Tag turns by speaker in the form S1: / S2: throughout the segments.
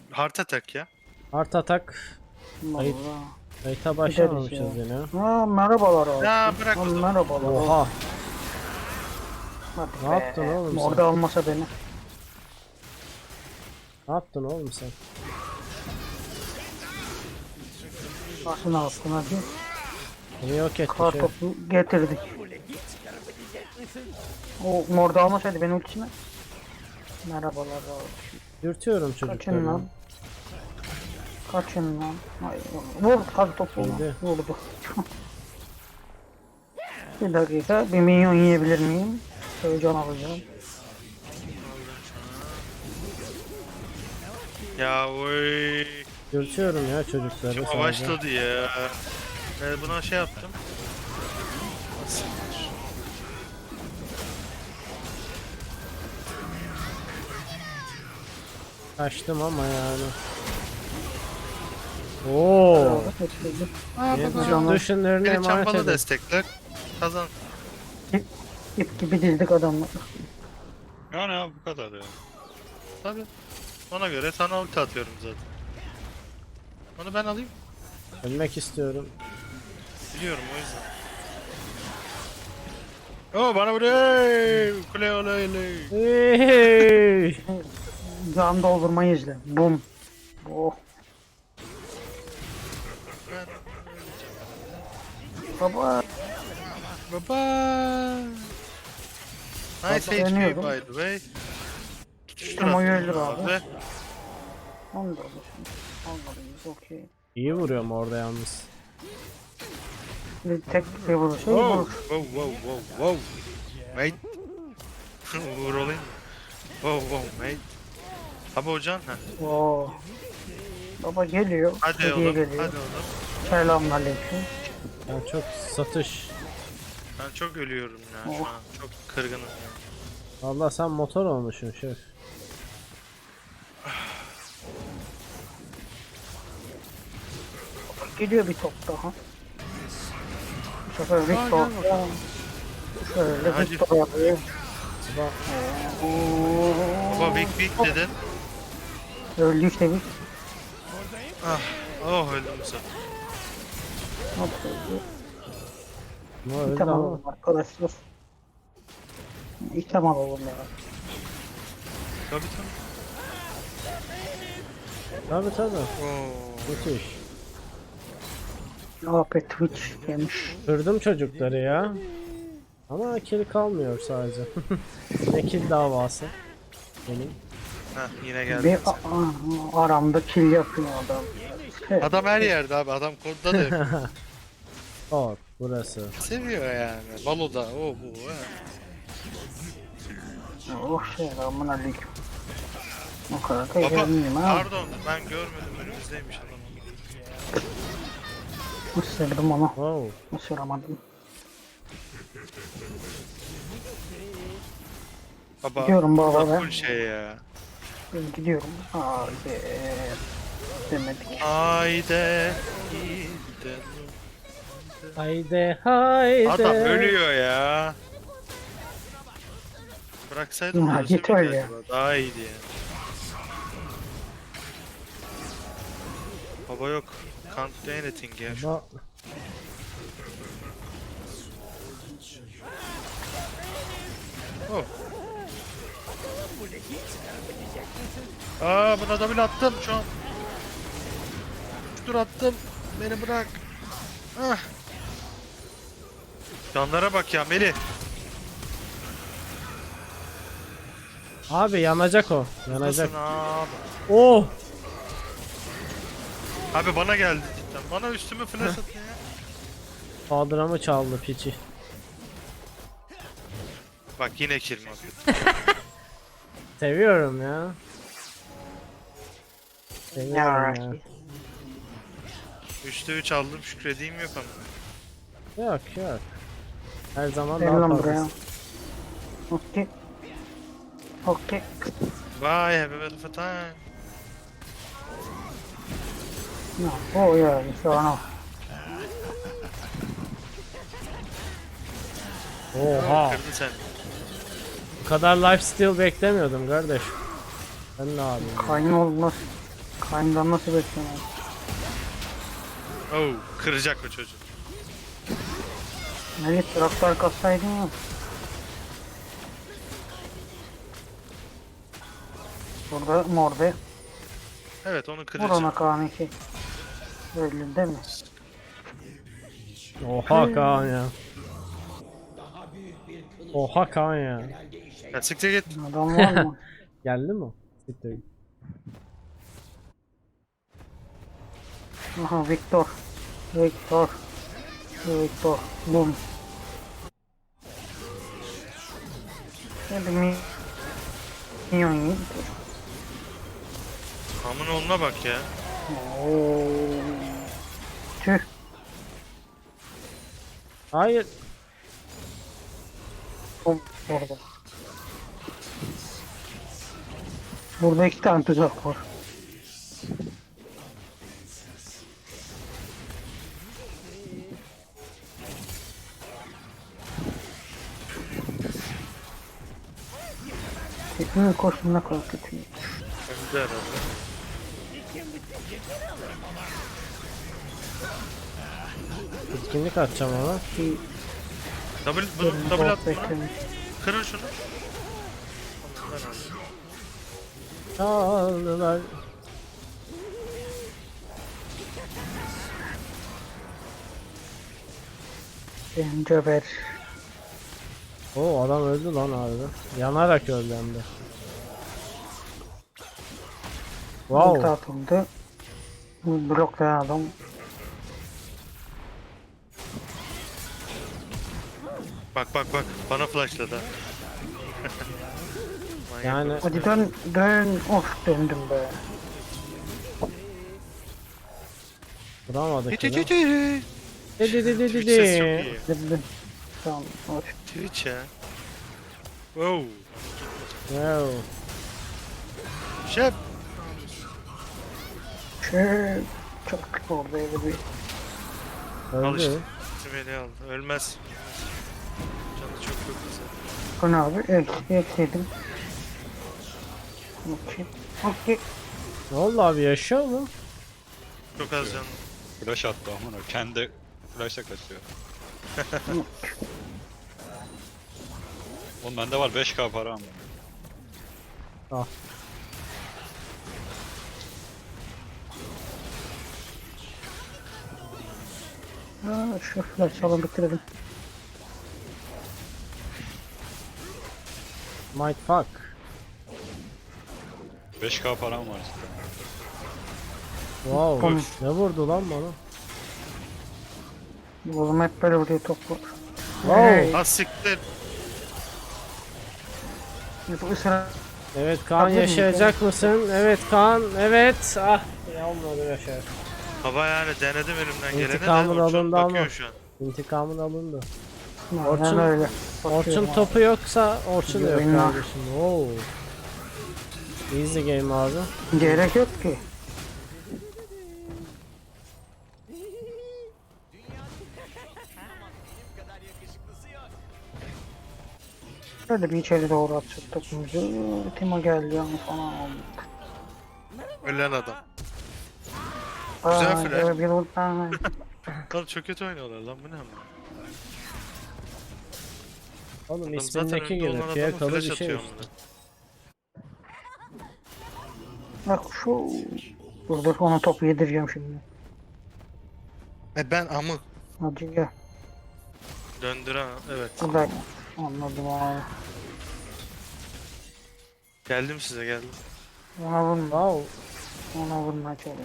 S1: Heart attack ya.
S2: Art atak. Kayıt,
S3: Vallahi.
S2: kayıta
S3: Gideriz
S2: başlamamışız
S3: ya.
S2: yine.
S3: Ha, merhabalar abi.
S1: Ya bırak
S3: Ha,
S1: o zaman.
S3: merhabalar.
S2: Oha.
S3: Hadi
S2: Ne
S3: be.
S2: yaptın oğlum sen?
S3: Orada almasa beni.
S2: Ne yaptın oğlum sen?
S3: Nasıl ne yaptın hadi.
S2: Beni yok etti
S3: Kar
S2: şey.
S3: topu getirdik. O orada almasaydı benim ultisine. Merhabalar abi.
S2: Dürtüyorum
S3: Kaçın
S2: çocukları.
S3: lan. Kaçın lan. Ay, vur kar topu.
S2: Geldi.
S3: Vurdu. Bir dakika. Bir minyon yiyebilir miyim? Heyecan alacağım.
S1: Ya oy.
S2: Dürtüyorum ya çocukları
S1: Çok
S2: sadece.
S1: başladı ya. Buna şey yaptım. Nasıl?
S2: Kaçtım ama yani. Oo. Benim
S3: Canım.
S2: tüm düşünlerini
S1: Beni
S2: emanet
S1: çampalı
S2: edin.
S1: destekler. Kazan.
S3: İp gibi dizdik adamlar.
S1: Yani abi bu kadar ya. Tabii. Ona göre sana ulti atıyorum zaten. Onu ben alayım.
S2: Ölmek istiyorum.
S1: Biliyorum o yüzden. Oo bana vuruyor. Kule olaylı.
S2: Hey!
S3: Can doldurmayı izle. Bum. Oh. Baba.
S1: Baba. Nice HP
S3: Deniyordum.
S1: by the way.
S3: Ama öldür abi.
S1: Abi.
S3: Onu da olur. Almalıyız. Okey.
S2: İyi vuruyorum orada yalnız.
S3: Bir tek bir vurur. Şey
S1: Wow,
S3: vurur.
S1: wow, wow, wow, wow. Mate. Vur olayım. Wow, wow, mate. Abi hocan ha.
S3: Oo. Baba geliyor.
S1: Hadi
S3: Hediye
S1: oğlum,
S3: geliyor.
S1: hadi oğlum.
S3: Selamünaleyküm.
S2: Ben çok satış.
S1: Ben çok ölüyorum ya şu
S3: Oh.
S1: an. Çok kırgınım ya.
S2: Vallahi sen motor olmuşsun şef.
S3: Geliyor bir top daha. Bu sefer Victor. Şöyle
S1: Hadi.
S3: Victor yapıyor.
S2: Baba,
S1: Baba big big dedin.
S3: Öldü işte bir.
S1: Ah, oh öldüm bu sefer.
S3: Hop öldü.
S2: ama öldü
S3: İtem
S2: ama.
S3: alalım arkadaşlar. İtem alalım ya.
S1: Tabii tabii.
S2: Tabii tabii.
S1: Oo.
S2: Müthiş.
S3: AP Twitch yemiş.
S2: Kırdım çocukları ya. Ama kill kalmıyor sadece. Ne kill davası. Benim.
S1: Heh yine geldi.
S3: Bir aramda kill yapıyor adam.
S1: Adam her yerde abi. Adam kodda da yapıyor.
S2: Bak burası.
S1: Seviyor yani. Baloda o bu. He.
S3: Oh selamünaleyküm. O kadar da
S1: Baba
S3: gelmeyeyim ha.
S1: pardon ben görmedim önümüzdeymiş adam.
S3: Isırdım onu.
S2: Wow.
S3: Isıramadım.
S1: Baba.
S3: Gidiyorum baba
S1: bu
S3: ben.
S1: full şey ya.
S3: Ben gidiyorum. Haydi. Demedik.
S1: Haydi. gidelim.
S2: Haydi haydi.
S1: Adam ölüyor ya. Bıraksaydım
S3: Ya,
S1: ölse
S3: git
S1: miydi
S3: öyle.
S1: acaba? Daha iyiydi ya. Baba yok. Can't do anything ya.
S2: Baba,
S1: Oh. Aa buna double attım şu an. Dur attım. Beni bırak. Ah. Canlara bak ya Melih.
S2: abi yanacak o. Yanacak.
S1: Nasılsın abi?
S2: Oh.
S1: Abi bana geldi cidden. Bana üstüme flash attı ya.
S2: Kadramı çaldı piçi.
S1: Bak yine kill mi?
S2: Seviyorum ya. Seviyorum ya.
S3: Yaraki.
S1: 3'te 3 aldım şükredeyim yok ama.
S2: Yok yok. Her zaman
S3: Gel
S2: daha
S3: lan buraya.
S2: fazlası.
S3: Okey. Okey.
S1: Bye have a wonderful time.
S3: No, oh yeah, şu an o.
S2: Oha.
S1: Kırdı seni.
S2: Bu kadar lifesteal beklemiyordum kardeş. Ben ne yapayım?
S3: Kayn olmaz. Kayndan nasıl bekliyorum?
S1: Oh, kıracak o çocuk.
S3: Melih traktör kassaydın ya. Burada morde.
S1: Evet, onu
S3: Vur
S1: kıracağım.
S3: ona Kaan 2. Öyle değil mi?
S2: Oha Kaan ya. Oha Kaan ya.
S1: Ya siktir git.
S3: Adam var mı?
S2: Geldi mi? Siktir.
S3: Aha Victor. Victor. Victor. Bum. Hadi minyon yiyin.
S1: Amın oğluna bak ya.
S3: Oo. Tüh.
S2: Hayır.
S3: Bum. Orada. Burada 2 tane tuzak var. Tekniğin koşun ne kadar kötü.
S1: Öldü herhalde.
S2: Etkinlik atacağım ona.
S1: Double at buna. Kırın şunu. Ben aldım.
S2: Çaldılar.
S3: Cenceber.
S2: Oo adam öldü lan abi. Yanarak öldü hem de.
S3: Ulti
S2: Wow.
S3: atıldı. Bu bloklayan adam.
S1: Bak bak bak. Bana flashladı. ha. Manyak
S2: Yani
S1: herif.
S3: Hadi dön dön. Of döndüm be.
S2: vuramadık
S1: Hiç
S2: yine.
S1: hiç hiç. Twitch sesi çok iyi.
S3: Döndüm. Tamam. Hoş.
S1: Twitch ya. Wow.
S2: Wow.
S1: Şef.
S3: Şey, çok kötü oldu öyle bir.
S1: Al işte.
S2: Öldü.
S1: Beni aldı. Ölmez. Canı çok çok güzel.
S3: Bu ne abi? Ekledim. Okey. Okey.
S2: Ne oldu abi yaşıyor mu?
S1: Çok az canlı.
S4: Flash attı amına. Kendi flash'a kaçıyor. Oğlum bende var 5k para ama.
S2: Ah.
S3: Şu flash alalım bitirelim.
S2: Might fuck.
S4: 5k param var işte.
S2: Wow.
S3: Tamam.
S2: Ne vurdu lan bana?
S3: Oğlum hep böyle vuruyor toplu.
S2: Wow.
S1: Ha siktir.
S3: Bu ısrar.
S2: Evet Kaan
S3: Hazır
S2: yaşayacak mısın? Evet Kaan. Evet. Ah. Olmadı yaşar.
S1: Baba yani denedim elimden geleni de.
S2: İntikamın
S1: Orçun
S2: alındı
S1: bakıyor
S2: ama.
S1: şu an.
S2: İntikamın alındı.
S3: Orçun
S2: Orçun-
S3: öyle.
S2: Orçun
S3: Bakıyorum abi.
S2: topu yoksa Orçun da yok
S3: Oyna.
S2: kardeşim. Wow. Easy game abi.
S3: Gerek yok ki. Şöyle bir içeri doğru atacak topumuzu. Timo geldi yani falan oldu.
S1: Ölen adam. Güzel flash.
S3: Evet, bir buradan.
S1: Oğlum çok kötü oynuyorlar lan, bu ne ama.
S2: Oğlum
S1: Adam zaten
S2: ismindeki
S1: önde
S2: gibi
S1: olan adamı
S2: fiyakalı
S1: flash
S2: bir şey
S1: atıyor
S2: işte.
S1: amına.
S3: Bak şu. Burada ona topu yedireceğim şimdi.
S1: Ben amı.
S3: Hadi gel.
S1: Döndür ha, evet.
S3: Burada. Anladım abi.
S1: Geldim size, geldim.
S3: Ona vurma.
S2: Wow.
S3: Ona vurmaya çalış.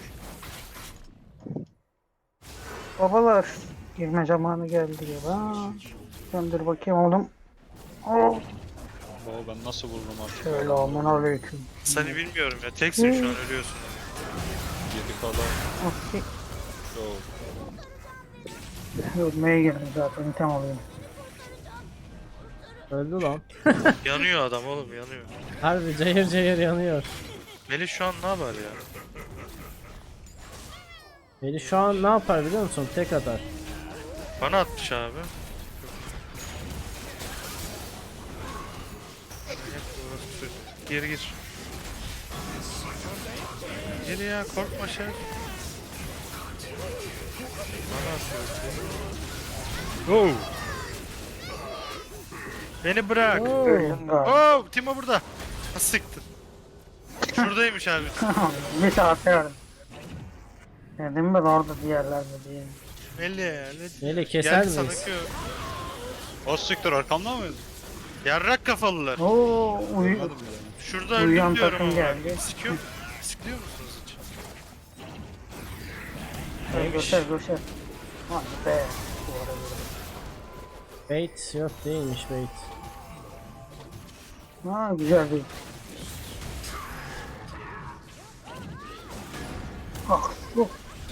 S3: Babalar. Girme zamanı geldi ya. Döndür bakayım oğlum. Oh.
S4: Baba ben nasıl vururum artık?
S3: Şöyle aman aleyküm.
S1: Seni bilmiyorum ya, teksin şu an, ölüyorsun.
S4: 7k'da
S3: Okey.
S4: yo.
S3: Ölmeye geldim zaten. Tam alıyorum.
S2: Öldü lan.
S1: Yanıyor adam oğlum, yanıyor.
S2: Harbi cayır cayır yanıyor.
S1: Melih şu an ne yapar ya?
S2: Beni şu an ne yapar biliyor musun? Tek atar.
S1: Bana atmış abi. Geri gir. Gir ya korkma şey. Bana atıyor. Oh. Beni bırak.
S2: Oo.
S3: Öldüm galiba.
S1: Oh, Timo burada. Ha, siktir. Şuradaymış abi.
S3: Bir saat verdim. Dedim ben orada diğerlerde diye.
S2: Melih keser
S1: Geldi sana
S2: miyiz?
S1: ki.
S4: O siktir arkamda mıydı?
S1: Yarrak kafalılar.
S3: Oo,
S4: Anladım bile.
S1: Şurada
S3: Uyuyan
S1: öldüm diyorum
S3: takım
S1: ama.
S3: geldi.
S1: Sikliyor musunuz hiç?
S3: göster göster. Hadi be. Bu arada.
S2: Bait yok değilmiş bait.
S3: Ha güzel değil. Ah yok.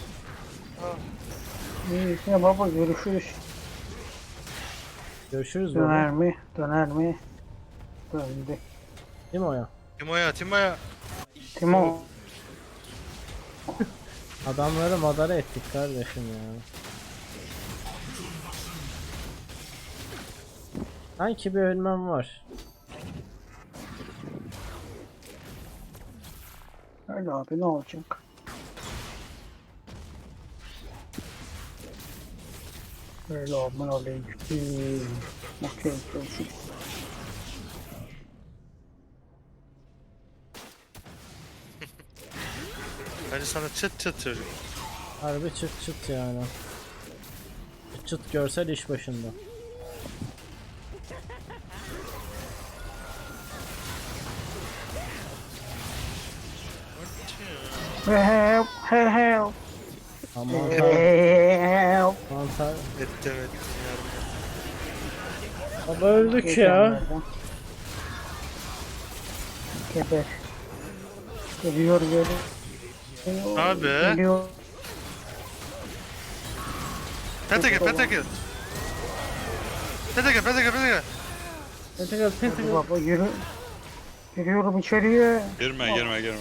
S3: İyi baba görüşürüz.
S2: Görüşürüz
S3: Döner
S2: baba.
S3: mi? Döner mi? Döndü.
S2: Değil mi o ya?
S1: Timo'ya.
S3: Timo.
S2: Adamları madara ettik kardeşim ya. Sanki bir ölmem var.
S3: Öyle abi ne olacak? Öyle aman aleyküm. Okey görüşürüz.
S1: Hadi sana çıt çıt çocuk.
S2: Harbi çıt çıt yani. Çıt çıt görsel iş başında.
S3: Help help
S2: Aman
S3: help.
S2: mantar.
S1: Ettim yardım.
S2: Baba öldük ya.
S3: Geber. Geliyor geliyor.
S1: Abi.
S3: Geliyor.
S1: Peteke.
S2: Pentagon
S3: Hadi
S2: Pentagon.
S3: baba yürü. Giriyorum içeriye.
S4: Girme.
S1: Yok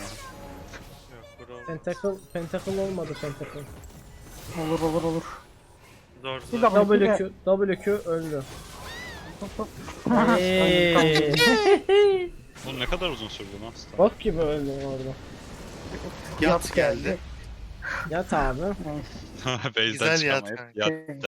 S1: bro.
S2: Pentacle olmadı Pentacle.
S3: Olur.
S1: Zor
S3: Bir
S1: zor.
S3: dakika.
S2: WQ öldü.
S4: Bu ne kadar uzun sürdü lan?
S2: Bok gibi öldü orada.
S1: Yat geldi.
S2: Yat abi.
S3: Neyse.
S4: Base'den
S1: Güzel yat
S4: çıkamayıp
S1: kanka.
S4: yat